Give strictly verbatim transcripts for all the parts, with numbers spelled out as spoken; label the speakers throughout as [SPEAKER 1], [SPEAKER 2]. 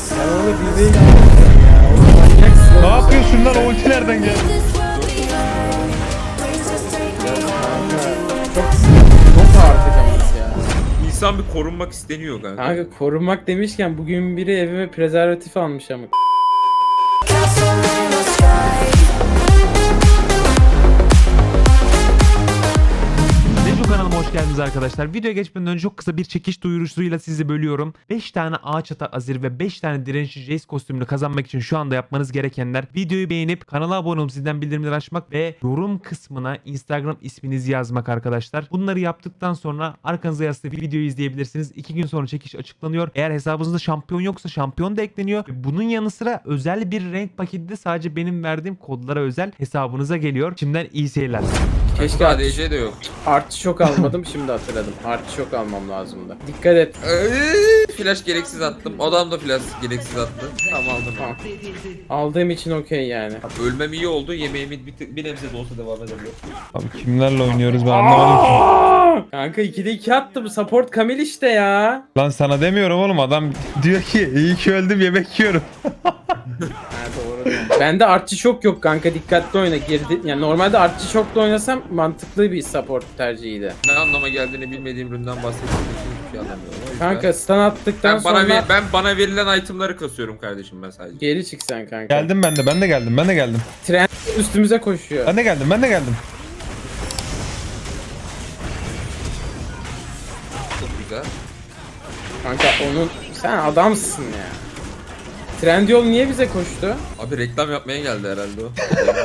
[SPEAKER 1] Sen onu bir değil ya. Oğlum manyaksın.
[SPEAKER 2] Ne yapıyorsun lan? O ulti nereden geldi?
[SPEAKER 1] Çok çok artık ama ya.
[SPEAKER 3] İnsan bir korunmak isteniyor kanka.
[SPEAKER 1] Kanka korunmak demişken bugün biri evime prezervatif almış ama.
[SPEAKER 2] Neco kanalıma hoş geldiniz arkadaşlar. Videoya geçmeden önce çok kısa bir çekiş duyurusuyla sizi bölüyorum. beş tane ağaç ata azir ve beş tane dirençli Jace kostümünü kazanmak için şu anda yapmanız gerekenler: videoyu beğenip kanala abone olup zilden bildirimleri açmak ve yorum kısmına Instagram isminizi yazmak arkadaşlar. Bunları yaptıktan sonra arkanıza yaslayıp bir videoyu izleyebilirsiniz. iki gün sonra çekiş açıklanıyor. Eğer hesabınızda şampiyon yoksa şampiyon da ekleniyor. Ve bunun yanı sıra özel bir renk paketi de sadece benim verdiğim kodlara özel hesabınıza geliyor. Şimdiden iyi seyirler.
[SPEAKER 1] Keşke
[SPEAKER 3] A D
[SPEAKER 1] artı,
[SPEAKER 3] C de yok.
[SPEAKER 1] artı şok almadım, şimdi hatırladım. Artı şok almam lazımdı. Dikkat et.
[SPEAKER 3] Eee, flash gereksiz attım. Adam da flash gereksiz attı. Tamam aldım.
[SPEAKER 1] Tamam. Aldığım için okey yani.
[SPEAKER 3] Ölmem iyi oldu. Yemeğimi bir, bir nebze de olsa devam edebiliyor.
[SPEAKER 2] Abi kimlerle oynuyoruz ben anlamadım ki.
[SPEAKER 1] Aa! Kanka ikide iki attı bu support Kamil işte ya.
[SPEAKER 2] Lan sana demiyorum oğlum, adam diyor ki iyi ki öldüm, yemek yiyorum.
[SPEAKER 1] Ha doğru diyorsun. Bende artçı şok yok kanka, dikkatli oyna, girdi. Yani normalde artçı şokla oynasam mantıklı bir support tercihiydi.
[SPEAKER 3] Ne anlama geldiğini bilmediğim üründen bahsettiğim için hiçbir şey anlamıyorum. O yüzden-
[SPEAKER 1] Kanka stun attıktan
[SPEAKER 3] ben bana
[SPEAKER 1] sonra
[SPEAKER 3] ver- ben bana verilen itemları kasıyorum kardeşim ben sadece.
[SPEAKER 1] geri çık sen kanka.
[SPEAKER 2] Geldim ben de, ben de geldim, ben de geldim.
[SPEAKER 1] Tren üstümüze koşuyor.
[SPEAKER 2] Ben de geldim, ben de geldim.
[SPEAKER 3] Çok güzel.
[SPEAKER 1] Kanka onun sen adamsın ya. Trendyol niye bize koştu?
[SPEAKER 3] Abi reklam yapmaya geldi herhalde o.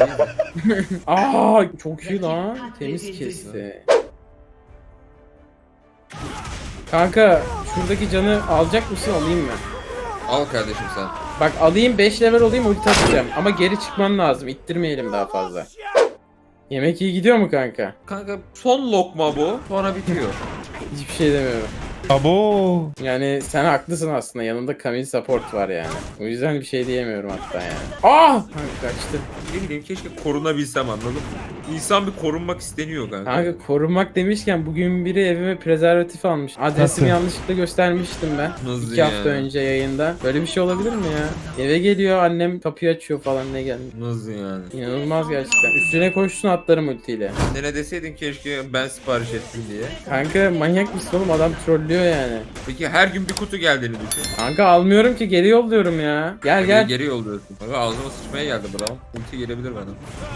[SPEAKER 1] Aa çok iyi lan. Temiz kesti. Kanka şuradaki canı alacak mısın, alayım mı?
[SPEAKER 3] Al kardeşim sen.
[SPEAKER 1] Bak alayım, beş level olayım, ulti atacağım. Ama geri çıkman lazım. İttirmeyelim daha fazla. Yemek iyi gidiyor mu kanka?
[SPEAKER 3] Kanka son lokma bu. Sonra bitiyor.
[SPEAKER 1] Hiçbir şey demiyorum.
[SPEAKER 2] Abo.
[SPEAKER 1] Yani sen haklısın aslında. Yanında Kamil support var yani. O yüzden bir şey diyemiyorum hatta yani. Ah! Kanka kaçtı.
[SPEAKER 3] Ne bileyim keşke korunabilsem, anladın mı? İnsan bir korunmak isteniyor kanka.
[SPEAKER 1] Kanka korunmak demişken bugün biri evime prezervatif almış. Adresimi
[SPEAKER 2] Nasıl?
[SPEAKER 1] yanlışlıkla göstermiştim ben.
[SPEAKER 3] Nasıl
[SPEAKER 1] İki hafta
[SPEAKER 3] yani?
[SPEAKER 1] önce yayında. Böyle bir şey olabilir mi ya? Eve geliyor, annem kapıyı açıyor falan, ne gelmiş.
[SPEAKER 3] Nasıl yani?
[SPEAKER 1] İnanılmaz gerçekten. Üstüne koşsun atlarım ultiyle.
[SPEAKER 3] Annene deseydin keşke ben sipariş ettim diye.
[SPEAKER 1] Kanka manyak mısın oğlum, adam trollüyor yani.
[SPEAKER 3] Peki her gün bir kutu geldiğini düşün.
[SPEAKER 1] Kanka almıyorum ki, geri yolluyorum ya. Gel
[SPEAKER 3] Geri,
[SPEAKER 1] gel.
[SPEAKER 3] geri yolluyorsun. Kanka ağzıma sıçmaya geldi bravo. Ulti gelebilir bana.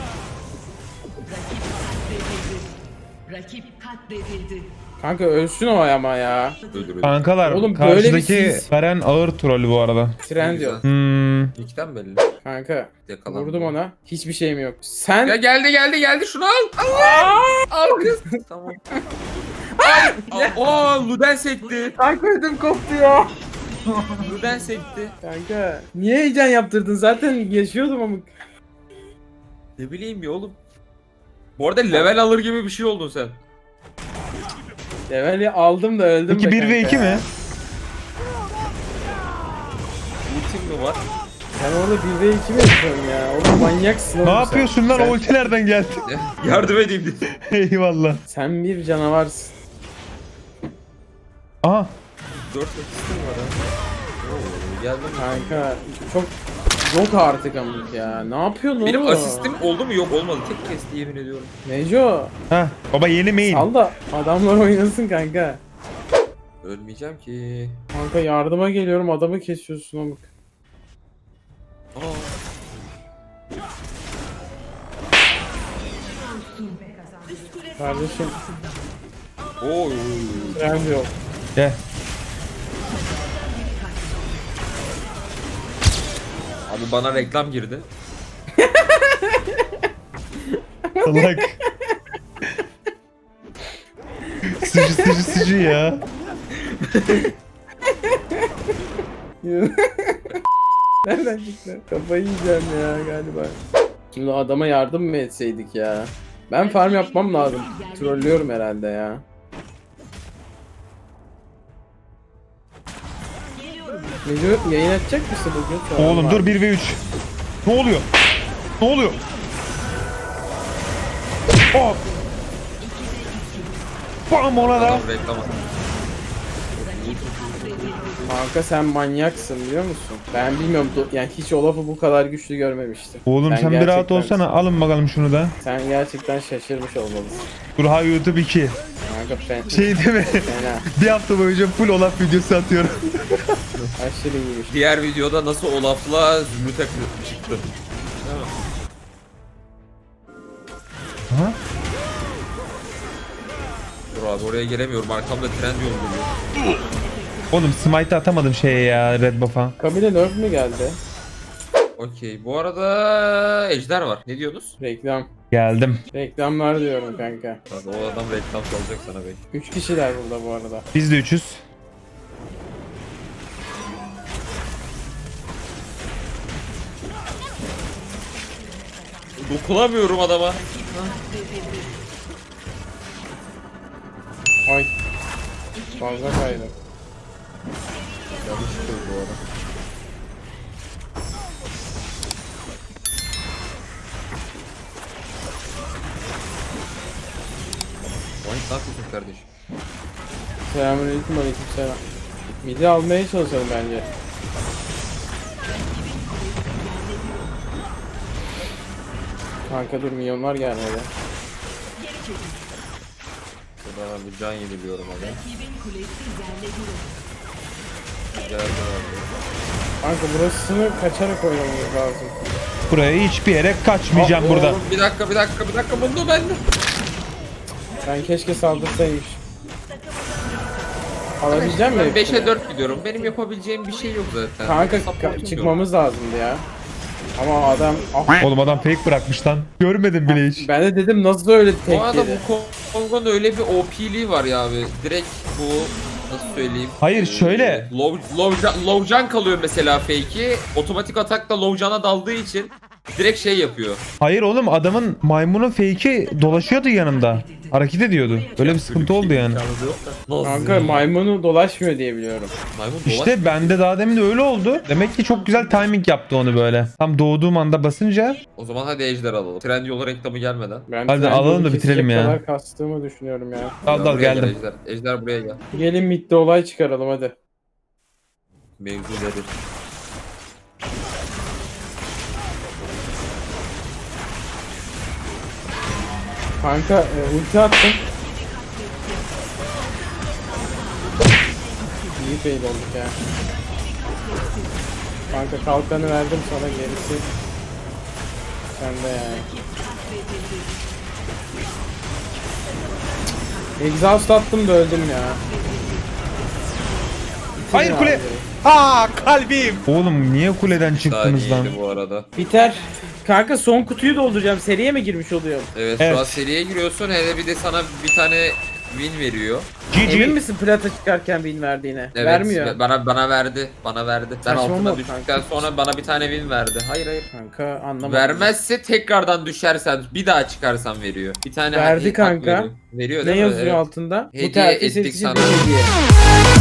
[SPEAKER 4] Rakip katledildi.
[SPEAKER 1] Kanka ölsün o ama ya.
[SPEAKER 3] Öldür öldür.
[SPEAKER 2] Kankalar,
[SPEAKER 1] Oğlum böyle bir
[SPEAKER 2] karşıdaki
[SPEAKER 1] sis-
[SPEAKER 2] Garen ağır trollü bu arada.
[SPEAKER 1] Trendyol.
[SPEAKER 2] Hmm.
[SPEAKER 3] İlkten belli.
[SPEAKER 1] Kanka
[SPEAKER 3] Yakalandım.
[SPEAKER 1] vurdum ona. Hiçbir şeyim yok. Sen
[SPEAKER 3] Ya geldi geldi geldi şunu al. Allah! Al kız. Tamam. Al. Aa Luden sekti.
[SPEAKER 1] kanka ödüm koptu ya.
[SPEAKER 3] Luden sekti.
[SPEAKER 1] Kanka niye heyecan yaptırdın? Zaten yaşıyordum ama.
[SPEAKER 3] Ne bileyim ya oğlum. Bu arada level alır gibi bir şey oldun sen.
[SPEAKER 1] Leveli aldım da öldüm.
[SPEAKER 2] Peki
[SPEAKER 1] be
[SPEAKER 2] bir ve
[SPEAKER 1] kanka
[SPEAKER 2] iki
[SPEAKER 1] ya.
[SPEAKER 2] mi?
[SPEAKER 3] Ultim mi var?
[SPEAKER 1] Sen orada bir ve iki mi yapıyorsun ya? Oğlum manyaksın
[SPEAKER 2] Ne
[SPEAKER 1] oğlum sen.
[SPEAKER 2] yapıyorsun lan?
[SPEAKER 1] Sen,
[SPEAKER 2] O ulti nereden geldi?
[SPEAKER 3] Yardım edeyim dedim.
[SPEAKER 2] Eyvallah.
[SPEAKER 1] sen bir canavarsın.
[SPEAKER 2] Aha.
[SPEAKER 3] Dört asistim var ha. Oo, geldim.
[SPEAKER 1] Kanka çok yok artık amık ya. Ne yapıyorsun
[SPEAKER 3] Benim
[SPEAKER 1] oğlum?
[SPEAKER 3] asistim oldu mu? Yok olmadı. Tek kesti yemin ediyorum.
[SPEAKER 1] Neco.
[SPEAKER 2] Heh. Baba yeni main.
[SPEAKER 1] Sal da adamlar oynasın kanka.
[SPEAKER 3] Ölmeyeceğim ki.
[SPEAKER 1] Kanka yardıma geliyorum, adamı kesiyorsun amık.
[SPEAKER 3] Aa.
[SPEAKER 1] Kardeşim
[SPEAKER 3] Oy.
[SPEAKER 1] trend yok.
[SPEAKER 2] Gel.
[SPEAKER 3] Abi bana reklam girdi.
[SPEAKER 2] Salak. Sıcı sıcı sıcı ya.
[SPEAKER 1] Nereden çıktı? Kafayı yiyeceğim ya galiba. Şimdi adama yardım mı etseydik ya? Ben farm yapmam lazım. Trollüyorum herhalde ya. Neco yayın açacak mısın bugün? Şu an
[SPEAKER 2] Oğlum
[SPEAKER 1] var.
[SPEAKER 2] dur, bir ve üç. Ne oluyor? Ne oluyor? Hop. Bam ona da.
[SPEAKER 3] Adam reklam attı.
[SPEAKER 1] Kanka sen manyaksın biliyor musun? Ben bilmiyorum do- yani hiç Olaf'ı bu kadar güçlü görmemiştim.
[SPEAKER 4] Oğlum sen bir rahat
[SPEAKER 1] gerçekten-
[SPEAKER 4] olsana. Alın bakalım şunu da.
[SPEAKER 1] Sen gerçekten şaşırmış olmalısın.
[SPEAKER 4] Burha YouTube iki.
[SPEAKER 1] Kanka fen
[SPEAKER 4] Şey değil mi?
[SPEAKER 1] fena.
[SPEAKER 4] Bir hafta boyunca full Olaf videosu atıyorum.
[SPEAKER 1] Aşırı iyiymiş.
[SPEAKER 3] Diğer videoda nasıl Olaf'la Zümrüt'e çıktı. Değil mi?
[SPEAKER 4] Aha.
[SPEAKER 3] Dur abi oraya gelemiyorum. Arkamda tren yolu geliyor.
[SPEAKER 4] Oğlum smite atamadım şeye ya red buff'a.
[SPEAKER 1] Kabile nerf mi geldi?
[SPEAKER 3] Okey. Bu arada Ejder var. Ne diyorsunuz?
[SPEAKER 1] Reklam.
[SPEAKER 4] Geldim.
[SPEAKER 1] Reklamlar diyorum kanka.
[SPEAKER 3] Abi, o adam reklam çalacak sana belki.
[SPEAKER 1] Üç kişiler burada bu arada.
[SPEAKER 4] Biz de üçüz.
[SPEAKER 3] Dokunamıyorum adama.
[SPEAKER 1] Ay. Fazla kaydı.
[SPEAKER 3] Yanlış kız bu arada. Vay ne yapıyorsun kardeşim?
[SPEAKER 1] Selamünaleyküm, aleykümselam. Midi almaya çalışalım bence. Kanka dur, milyonlar gelmedi.
[SPEAKER 3] Burada ben bir can yeniliyorum abi. Geldi abi.
[SPEAKER 1] Kanka burasını kaçarak oynamamız lazım.
[SPEAKER 4] Buraya hiçbir yere kaçmayacağım
[SPEAKER 3] Aa,
[SPEAKER 4] burada.
[SPEAKER 3] oğlum, bir dakika bir dakika bir dakika bunu bende.
[SPEAKER 1] Ben keşke saldırsaymış. Alabileceğim mi?
[SPEAKER 3] Ben
[SPEAKER 1] hepsini?
[SPEAKER 3] beşe dört gidiyorum. Benim yapabileceğim bir şey yok zaten.
[SPEAKER 1] Kanka
[SPEAKER 3] Supportum
[SPEAKER 1] ka-
[SPEAKER 3] yok.
[SPEAKER 1] çıkmamız lazımdı ya. Ama adam... Ah,
[SPEAKER 4] Oğlum adam fake bırakmış lan. Görmedim bile hiç.
[SPEAKER 1] ben de dedim nasıl öyle tek
[SPEAKER 3] Bu arada
[SPEAKER 1] yedi?
[SPEAKER 3] bu Kongo'nun öyle bir O P'liği var ya abi. Direkt bu nasıl söyleyeyim?
[SPEAKER 4] Hayır, şöyle.
[SPEAKER 3] Ee, Low, low, can- low can kalıyor mesela fake'i. Otomatik atakla low can'a daldığı için direkt şey yapıyor.
[SPEAKER 4] Hayır oğlum adamın maymunun fake'i dolaşıyordu yanımda. Hareket ediyordu. Öyle bir sıkıntı oldu yani.
[SPEAKER 3] Nasıl?
[SPEAKER 1] Kanka maymunu dolaşmıyor diye biliyorum.
[SPEAKER 3] Maymun
[SPEAKER 4] İşte bende daha demin de öyle oldu. Demek ki çok güzel timing yaptı onu böyle. Tam doğduğum anda basınca.
[SPEAKER 3] O zaman hadi ejder alalım. Trendyol reklamı gelmeden.
[SPEAKER 1] Ben
[SPEAKER 4] Hadi
[SPEAKER 1] Trendyol'u
[SPEAKER 4] alalım da
[SPEAKER 1] kesecek
[SPEAKER 4] bitirelim ya.
[SPEAKER 1] kadar kastığımı düşünüyorum ya.
[SPEAKER 4] Dal dal
[SPEAKER 3] Buraya gel
[SPEAKER 4] geldim.
[SPEAKER 3] Ejder. Ejder buraya gel.
[SPEAKER 1] Gelin midde olay çıkaralım hadi.
[SPEAKER 3] Mevzu nedir?
[SPEAKER 1] Kanka e, ulti attım. İyi fail olduk ya. Kanka kalkanı verdim sana, gerisi sende yani. Exhaust attım da öldüm ya. Bitirin
[SPEAKER 4] Hayır kule.
[SPEAKER 1] abi.
[SPEAKER 4] Aa kalbim. Oğlum niye kuleden çıktınız lan?
[SPEAKER 3] Saniyeydi bu arada.
[SPEAKER 1] Biter. Kanka son kutuyu dolduracağım. Seriye mi girmiş oluyorum?
[SPEAKER 3] Evet,
[SPEAKER 4] Evet.
[SPEAKER 3] şu an seriye giriyorsun. Hele bir de sana bir tane win veriyor.
[SPEAKER 4] G
[SPEAKER 1] Emin
[SPEAKER 4] G.
[SPEAKER 1] misin plata çıkarken win verdiğine?
[SPEAKER 3] Evet,
[SPEAKER 1] Vermiyor.
[SPEAKER 3] Bana bana verdi. Bana verdi. Ben
[SPEAKER 1] Saçma
[SPEAKER 3] altına
[SPEAKER 1] oldu
[SPEAKER 3] düştükten
[SPEAKER 1] kanka.
[SPEAKER 3] sonra bana bir tane win verdi. Hayır hayır.
[SPEAKER 1] Kanka anlamadım.
[SPEAKER 3] Vermezse tekrardan düşersen bir daha çıkarsan veriyor. Bir tane
[SPEAKER 1] Verdi
[SPEAKER 3] hak
[SPEAKER 1] kanka.
[SPEAKER 3] Veriyor, veriyor
[SPEAKER 1] Ne
[SPEAKER 3] değil mi?
[SPEAKER 1] yazıyor
[SPEAKER 3] Evet.
[SPEAKER 1] altında?
[SPEAKER 3] Hediye
[SPEAKER 1] Bu terfi
[SPEAKER 3] ettik
[SPEAKER 1] seçici
[SPEAKER 3] sana.
[SPEAKER 1] bir hediye.